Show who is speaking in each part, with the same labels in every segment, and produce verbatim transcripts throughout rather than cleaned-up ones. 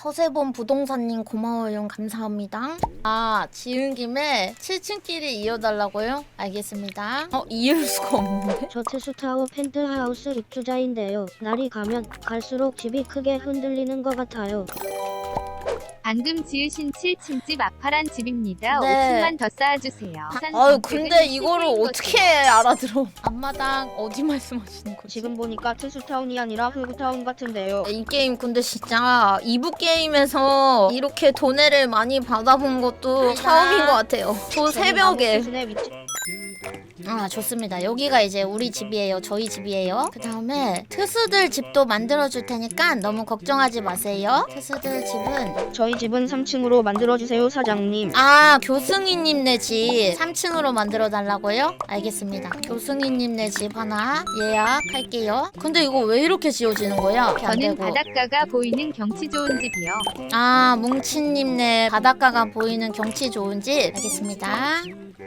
Speaker 1: 서세범 부동산님 고마워요. 감사합니다. 아, 지은 김에 칠 층끼리 이어달라고요? 알겠습니다. 어, 이을 수가 없는데?
Speaker 2: 저 테스타워 펜트하우스 입주자인데요. 날이 가면 갈수록 집이 크게 흔들리는 것 같아요.
Speaker 3: 방금 지으신 칠 층집 아파란 집입니다.
Speaker 1: 네.
Speaker 3: 오 층만 더 쌓아주세요.
Speaker 1: 아유, 근데 이거를 어떻게 알아들어? 앞마당 어디 말씀하시는 거지?
Speaker 2: 지금 보니까 테스타운이 아니라 흑타운 같은데요.
Speaker 1: 이 게임 근데 진짜 이 부 게임에서 이렇게 돈해를 많이 받아본 것도 처음인 것 같아요. 저 새벽에.
Speaker 2: 수준의 위치.
Speaker 1: 아, 좋습니다. 여기가 이제 우리 집이에요. 저희 집이에요. 그 다음에 트수들 집도 만들어줄 테니까 너무 걱정하지 마세요. 트수들 집은
Speaker 2: 저희 집은 삼 층으로 만들어주세요 사장님.
Speaker 1: 아, 교승이님네 집 삼 층으로 만들어 달라고요? 알겠습니다. 교승이님네 집 하나 예약할게요. 근데 이거 왜 이렇게 지어지는 거야? 이렇게 안
Speaker 3: 저는
Speaker 1: 되고.
Speaker 3: 바닷가가 보이는 경치 좋은 집이요.
Speaker 1: 아, 뭉치님네 바닷가가 보이는 경치 좋은 집. 알겠습니다.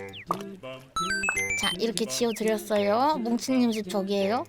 Speaker 1: 자, 이렇게 지어드렸어요. 뭉치님 집 저기에요.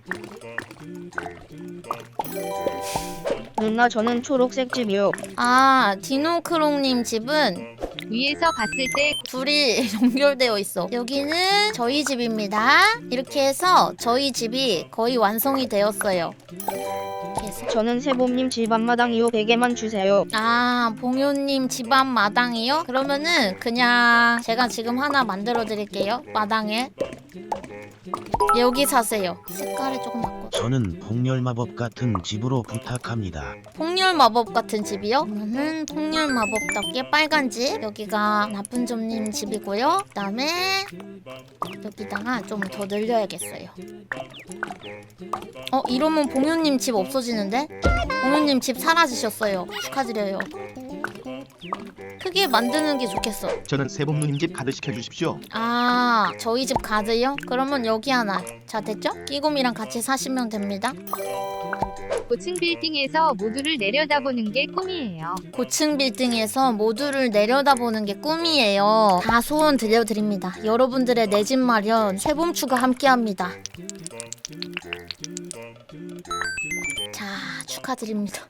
Speaker 2: 누나 저는 초록색 집이요.
Speaker 1: 아, 디노크롱님 집은
Speaker 3: 위에서 봤을 때
Speaker 1: 둘이 연결되어 있어. 여기는 저희 집입니다. 이렇게 해서 저희 집이 거의 완성이 되었어요. 이렇게 해서.
Speaker 2: 저는 세봄님 집 앞마당이요. 베개만 주세요.
Speaker 1: 아, 봉효님 집 앞 마당이요? 그러면은 그냥 제가 지금 하나 만들어 드릴게요. 마당에. 여기 사세요. 색깔을 조금 바꿔.
Speaker 4: 저는 폭렬 마법 같은 집으로 부탁합니다.
Speaker 1: 폭렬 마법 같은 집이요? 그러면은 폭렬 마법답게 빨간 집. 여기가 나쁜 점님 집이고요. 그 다음에 여기다가 좀 더 늘려야겠어요. 어, 이러면 봉효님 집 없어지는데? 봉효님 집 사라지셨어요. 축하드려요. 크게 만드는 게 좋겠어.
Speaker 5: 저는 세봄누님 집 가드 시켜주십시오.
Speaker 1: 아, 저희 집 가드요? 그러면 여기 하나. 자, 됐죠? 끼곰이랑 같이 사시면 됩니다.
Speaker 3: 고층 빌딩에서 모두를 내려다보는 게 꿈이에요.
Speaker 1: 고층 빌딩에서 모두를 내려다보는 게 꿈이에요. 다 소원 들려드립니다. 여러분들의 내 집 마련 세봄추가 함께합니다. 자, 축하드립니다.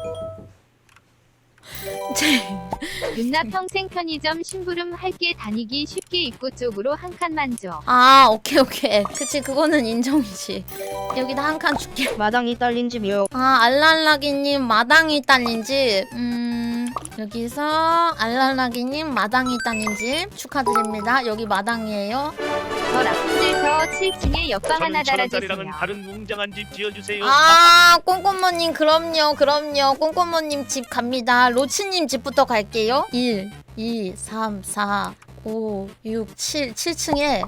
Speaker 3: 누나 평생 편의점 심부름 할게 다니기 쉽게 입구 쪽으로 한 칸만 줘.
Speaker 1: 아, 오케이 오케이. 그치, 그거는 인정이지. 여기다 한 칸 줄게.
Speaker 2: 마당이 딸린 집이요.
Speaker 1: 아, 알랄라기님 마당이 딸린 집. 음, 여기서 알랄라기님 마당이 딸린 집 축하드립니다. 여기 마당이에요.
Speaker 3: 저 라푼젤서 칠 층에 옆방 하나
Speaker 6: 저는
Speaker 3: 달아주세요.
Speaker 6: 천원짜리랑은 다른 웅장한 집 지어주세요.
Speaker 1: 아, 꼼꼼모님 그럼요 그럼요. 꼼꼼모님 집 갑니다. 로치님 집부터 갈게요. 일, 이, 삼, 사, 오, 육, 칠. 칠 층에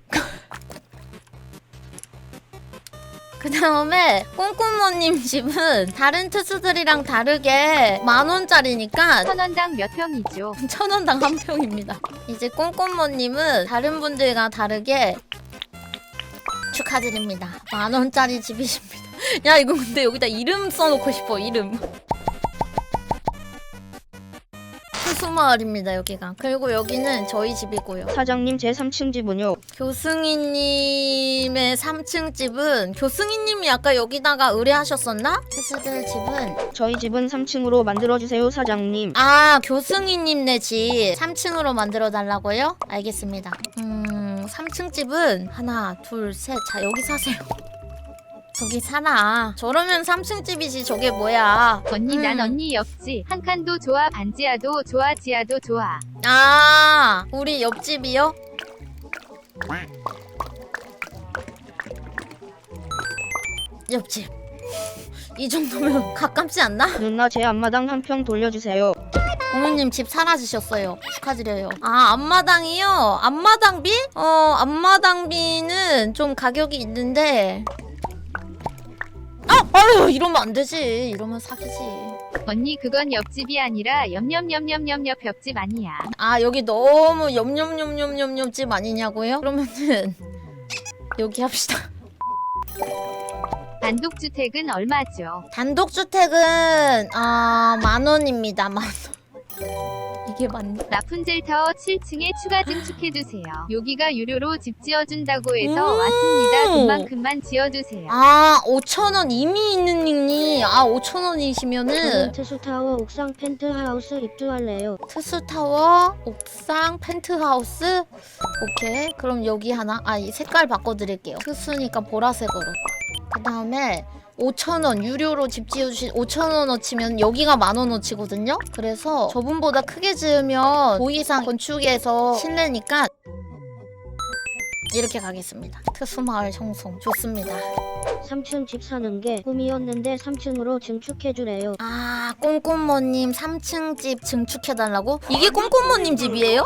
Speaker 1: 그 다음에 꼼꼼모님 집은 다른 투수들이랑 다르게 만원짜리니까
Speaker 3: 천원당 몇 평이죠?
Speaker 1: 천원당 한 평입니다. 이제 꼼꼼모님은 다른 분들과 다르게 축하드립니다. 만원짜리 집이십니다. 야, 이거 근데 여기다 이름 써놓고 싶어. 이름. 수수마을입니다, 여기가. 그리고 여기는 저희 집이고요.
Speaker 2: 사장님 제 삼 층 집은요.
Speaker 1: 교승이님의 삼 층 집은 교승이님이 아까 여기다가 의뢰하셨었나? 스스들 집은
Speaker 2: 저희 집은 삼 층으로 만들어주세요 사장님.
Speaker 1: 아, 교승이님네 집 삼 층으로 만들어 달라고요? 알겠습니다. 음, 삼 층 집은 하나, 둘, 셋. 자, 여기 사세요. 저기 살아. 저러면 삼 층 집이지. 저게 뭐야?
Speaker 3: 언니
Speaker 1: 음.
Speaker 3: 난 언니 옆집 한 칸도 좋아 반지하도 좋아 지하도 좋아.
Speaker 1: 아, 우리 옆집이요? 옆집. 이 정도면 가깝지 않나?
Speaker 2: 누나 제 앞마당 한 평 돌려주세요.
Speaker 1: 공유님 집 사라지셨어요. 축하드려요. 아, 앞마당이요? 앞마당비? 어, 앞마당비는 좀 가격이 있는데. 아! 아유, 이러면 안 되지. 이러면 사기지.
Speaker 3: 언니 그건 옆집이 아니라 옆옆옆옆옆옆 옆집 아니야.
Speaker 1: 아, 여기 너무 옆옆옆옆옆집 아니냐고요? 그러면은 여기 합시다.
Speaker 3: 단독주택은 얼마죠?
Speaker 1: 단독주택은 아, 만 원입니다. 만 원. 이게 맞네.
Speaker 3: 라푼젤 타워 칠 층에 추가 증축해주세요. 여기가 유료로 집 지어준다고 해서
Speaker 1: 음.
Speaker 3: 왔습니다. 돈만큼만 지어주세요.
Speaker 1: 아 오천 원 이미 있는 닉니. 아 오천
Speaker 2: 저는
Speaker 1: 원이시면은
Speaker 2: 트수타워 옥상 펜트하우스 입주할래요.
Speaker 1: 트수타워 옥상 펜트하우스. 오케이 그럼 여기 하나. 아 이 색깔 바꿔드릴게요. 트수니까 보라색으로. 그 다음에 오천 원 유료로 집 지어주신 오천 원어치면 여기가 만 원어치거든요. 그래서 저분보다 크게 지으면 고이상 건축에서 실내니까 이렇게 가겠습니다. 특수마을 청송 좋습니다.
Speaker 2: 삼 층 집 사는 게 꿈이었는데 삼 층으로 증축해주래요.
Speaker 1: 아 꼼꼼모님 삼 층 집 증축해달라고? 이게 꼼꼼모님 집이에요?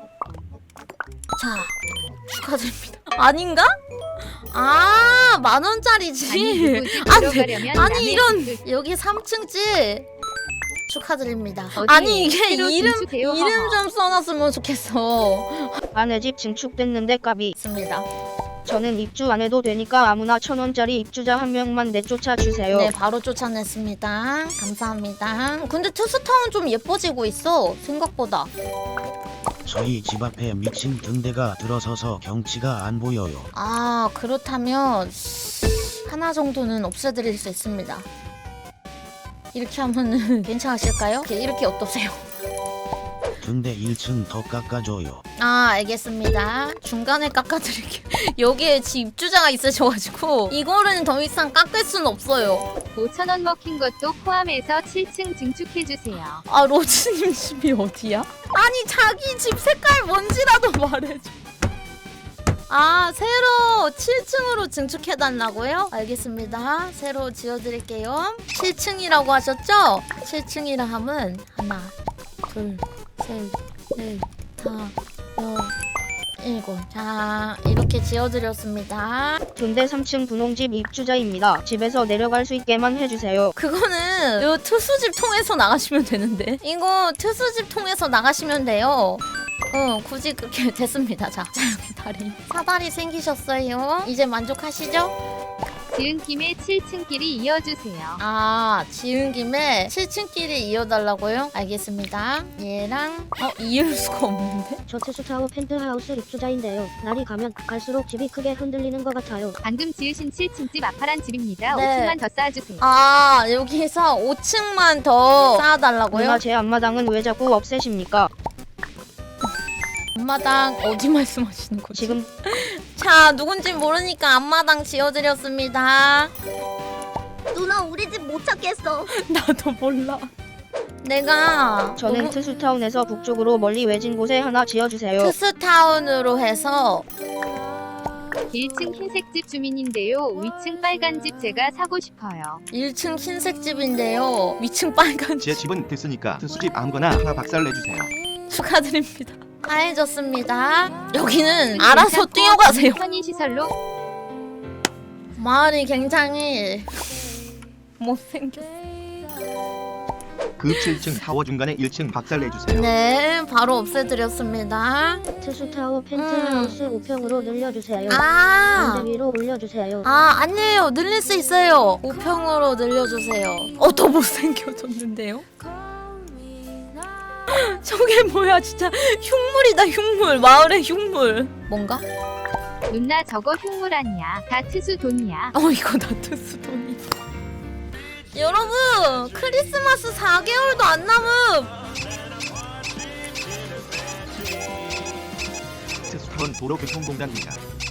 Speaker 1: 자 축하드립니다. 아닌가? 아 만원짜리 집.
Speaker 3: 아니 누구 집
Speaker 1: 아니,
Speaker 3: 들어가려면
Speaker 1: 아니
Speaker 3: 남의
Speaker 1: 이런
Speaker 3: 집을
Speaker 1: 여기 삼 층 집 축하드립니다.
Speaker 3: 어디에
Speaker 1: 아니 이게
Speaker 3: 새로
Speaker 1: 이름
Speaker 3: 증축해요,
Speaker 1: 이름
Speaker 3: 허허.
Speaker 1: 좀 써놨으면 좋겠어.
Speaker 2: 아내 집 증축됐는데 까비.
Speaker 1: 있습니다.
Speaker 2: 저는 입주 안 해도 되니까 아무나 천 원짜리 입주자 한 명만 내쫓아 주세요.
Speaker 1: 네 바로 쫓아냈습니다. 감사합니다. 근데 투스타운 좀 예뻐지고 있어 생각보다.
Speaker 4: 저희 집 앞에 미친 등대가 들어서서 경치가 안 보여요.
Speaker 1: 아 그렇다면 하나 정도는 없애드릴 수 있습니다. 이렇게 하면은 괜찮으실까요? 이렇게, 이렇게 어떠세요?
Speaker 4: 등대 일 층 더 깎아줘요.
Speaker 1: 아 알겠습니다. 중간에 깎아드릴게요. 여기에 지 입주자가 있으셔가지고 이거는 더 이상 깎을 수는 없어요.
Speaker 3: 오천 원 먹힌 것도 포함해서 칠 층 증축해주세요.
Speaker 1: 아 로즈님 집이 어디야? 아니 자기 집 색깔 뭔지라도 말해줘. 아 새로 칠 층으로 증축해달라고요? 알겠습니다. 새로 지어드릴게요. 칠 층이라고 하셨죠? 칠 층이라 함은 하나 둘셋넷 다 여 일곱. 자 이렇게 지어드렸습니다.
Speaker 2: 근데 삼 층 분홍집 입주자입니다. 집에서 내려갈 수 있게만 해주세요.
Speaker 1: 그거는 요 특수집 통해서 나가시면 되는데 이거 특수집 통해서 나가시면 돼요. 어 굳이 그렇게 됐습니다. 자, 자 여기 다리 사다리 생기셨어요. 이제 만족하시죠?
Speaker 3: 지은 김에 칠 층끼리 이어주세요.
Speaker 1: 아 지은 김에 칠 층끼리 이어달라고요? 알겠습니다. 얘랑 어 이을 수가 없는데?
Speaker 2: 저 트수타워 펜트하우스 입주자인데요. 날이 가면 갈수록 집이 크게 흔들리는 것 같아요.
Speaker 3: 방금 지으신 칠 층 집 아파란 집입니다.
Speaker 1: 네.
Speaker 3: 오 층만 더 쌓아주세요.
Speaker 1: 아 여기서 오 층만 더 쌓아달라고요?
Speaker 2: 누나 제 앞마당은 왜 자꾸 없애십니까?
Speaker 1: 앞마당 어디 말씀하시는 거지?
Speaker 2: 지금
Speaker 1: 자 누군지 모르니까 앞마당 지어드렸습니다.
Speaker 7: 누나 우리 집 못 찾겠어.
Speaker 1: 나도 몰라. 내가
Speaker 2: 저는
Speaker 1: 너무
Speaker 2: 트수타운에서 북쪽으로 멀리 외진 곳에 하나 지어주세요.
Speaker 1: 트스타운으로 해서
Speaker 3: 일 층 흰색 집 주민인데요. 위층 빨간 집 제가 사고 싶어요.
Speaker 1: 일 층 흰색 집인데요. 위층 빨간
Speaker 5: 제
Speaker 1: 집
Speaker 5: 집은 됐으니까 특수집 아무거나 하나 박살내주세요.
Speaker 1: 축하드립니다. 다해졌습니다. 여기는 알아서 뛰어가세요.
Speaker 3: 편의시설로
Speaker 1: 마을이 굉장히 못생겼어.
Speaker 5: 그 칠 층 타워 중간에 일 층 박살내주세요.
Speaker 1: 네 바로 없애드렸습니다.
Speaker 2: 트수타워 펜트하우스 오 평으로 늘려주세요.
Speaker 1: 아
Speaker 2: 언제 위로 올려주세요.
Speaker 1: 아 아니에요 늘릴 수 있어요. 오 평으로 늘려주세요. 어 더 못생겨졌는데요? 저게 뭐야 진짜 흉물이다 흉물. 마을의 흉물. 뭔가?
Speaker 3: 누나 저거 흉물 아니야. 다 트수 돈이야.
Speaker 1: 어 이거 나트스 돈이. 여러분 크리스마스 사 개월도 안 남음.
Speaker 5: 특수타운 도로교통공단입니다.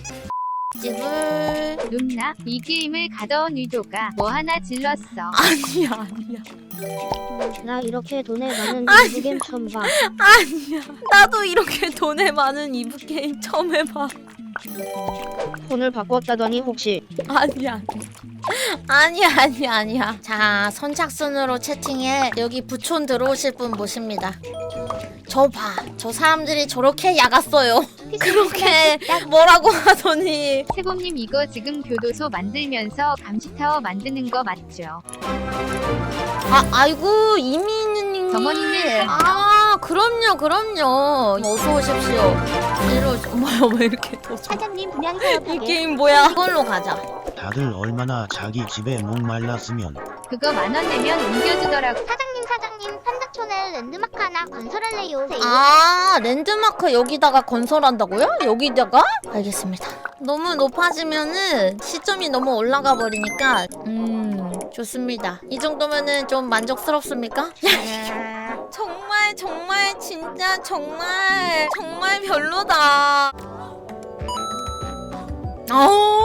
Speaker 1: 집을
Speaker 3: 누나 이 게임을 가져온 의도가 뭐 하나 질렀어.
Speaker 1: 아니야 아니야
Speaker 2: 나 이렇게 돈에 많은
Speaker 1: 아니.
Speaker 2: 이브게임 처음 봐.
Speaker 1: 아니야. 나도 이렇게 돈에 많은 이브 게임 처음 해봐.
Speaker 2: 폰을 바꿨다더니 혹시
Speaker 1: 아니야 아니야 아니야 아니야. 자 선착순으로 채팅에 여기 부촌 들어오실 분 모십니다. 저 봐. 저 사람들이 저렇게 야갔어요. 그렇게 뭐라고 하더니
Speaker 3: 세범님 이거 지금 교도소 만들면서 감시타워 만드는 거 맞죠?
Speaker 1: 아 아이고 이민우님
Speaker 3: 정원이는
Speaker 1: 아 그럼요 그럼요 어서 오십시오. 이로 뭐야 왜 이렇게 더 좋아.
Speaker 7: 사장님 분양
Speaker 1: 이
Speaker 7: 사업하게.
Speaker 1: 게임 뭐야. 이걸로 가자.
Speaker 4: 다들 얼마나 자기 집에 목말랐으면
Speaker 3: 그거 만 원 내면 옮겨주더라고.
Speaker 7: 사장님 사장님 판다촌에 랜드마크 하나 건설할래요.
Speaker 1: 아, 랜드마크 여기다가 건설한다고요? 여기다가? 알겠습니다. 너무 높아지면은 시점이 너무 올라가 버리니까 음 좋습니다. 이 정도면은 좀 만족스럽습니까? 정말 정말 진짜 정말 정말 별로다. 어우